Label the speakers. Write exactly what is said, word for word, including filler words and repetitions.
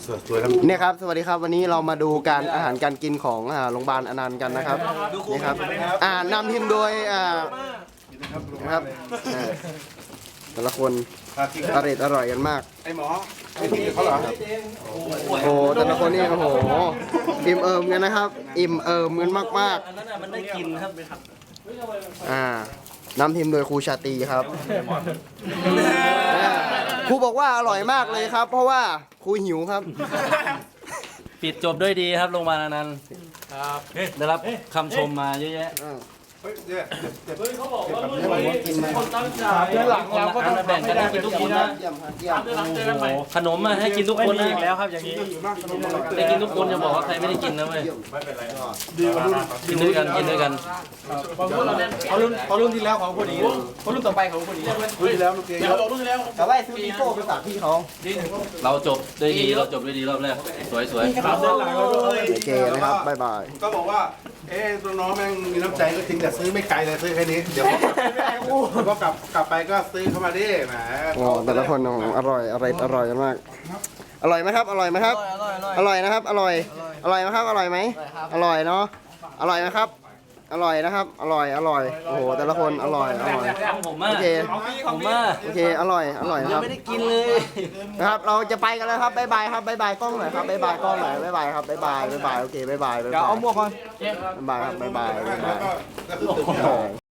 Speaker 1: สวยๆแล้ว
Speaker 2: เนี่ยครับสวัสดีครับวันนี้เรามาดูการอาหารการกินของอ่าโรงพยาบาลอนันต์กันนะครับนี่ครับอ่านำทีมโดยอ่านะครับอ่าแต่ละคนอร่อยอร่อยกันมาก
Speaker 1: ไอหมอไอที่เขาเหรอ
Speaker 2: โอ้โหแต่ละคนนี่โอ้โหอิ่มเอิมกันนะครับ อิ่มเอิมกันมาก
Speaker 3: อันนั้นน่ะมันได้กินครับ
Speaker 2: ๆอ่านำทีมโดยครูชาตรีครับอ่าครูบอกว่าอร่อยมากเลยครับ เพราะว่าครูหิวครับ
Speaker 3: ปิดจบด้วยดีครับโรงพยาบาลอนันต์ครับได้รับคำชมมาเยอะแยะ
Speaker 1: เฮ้ยเนี่ยเจ็บ
Speaker 4: เฮ้ยเขาบอกว่าเมื่อวันนี้คนตั้งใจเดือนหลัง
Speaker 3: เราก็ต้องแบ่งกันให้กินทุกคนนะ
Speaker 2: เยี่ยมครับเยี่ยม
Speaker 4: เดือนหลังเจอกันใหม่
Speaker 3: ขนมมาให้กินทุกคนนะ
Speaker 4: แล้วครับอย่างนี้
Speaker 3: ได้กินทุกคนอย่าบอกว่าใครไม่ได้กินนะเว้ย
Speaker 1: ดีกว่ารุ่น
Speaker 3: กินด้วยกันกินด้วยกัน
Speaker 4: พอรุ่นพอรุ่นที่แล้วของคนนี้พอรุ่นต่อไปของคนนี้
Speaker 1: รุ่นที่แล้วลูกเกย
Speaker 4: เดี๋ยวบอกรุ่นที่แล้ว
Speaker 2: แต่ว่าซื้อปีโป้ไปฝากพี่เขา
Speaker 3: เราจบด้วยดีเราจบด้วยดีรอบแรกสวยสวย
Speaker 4: สามเดือนหลังเรา
Speaker 2: โอเคนะครับบ๊ายบาย
Speaker 1: ก็บอกว่าเอ๊ะตัวน้องแม่งมีน้ำใจก็จริงแต่ซื้อไม่ไกลเลยซื้อแค่นี้เดี๋ยวพอกลับกลับไปก็ซื้อเข้ามาดิแหม
Speaker 2: โอ้แต่ละคนอร่อยอร่อยอร่อยกันมาก อร่อยไหมครับ อร่อยไหมครับ อร่อยนะครับ อร่อย อร่อยไหมครับ อร่อยไหมอร่อยเนาะ อร่อยไหมครับ อร่อยนะครับ อร่อย อร่อย โอ้โห แต่ละคนอร่อย อร่อย
Speaker 3: ของผมมาก
Speaker 2: โอเค
Speaker 3: ผมมาก
Speaker 2: โอเค อร่อย อร่อยนะครับ
Speaker 3: ไม่ได้กินเลย
Speaker 2: นะครับ เราจะไปกันแล้วครับบ๊ายบายครับบ๊ายบายกล้องหน่อยครับบ๊ายบายกล้องหน่อยบ๊ายบายครับบ๊ายบายบ๊ายบาย โอเคบ๊ายบายบ๊ายบาย
Speaker 4: เอาหมวกก่อน
Speaker 2: บ๊ายบายครับบ๊ายบายบ๊ายบาย
Speaker 1: ก็คือ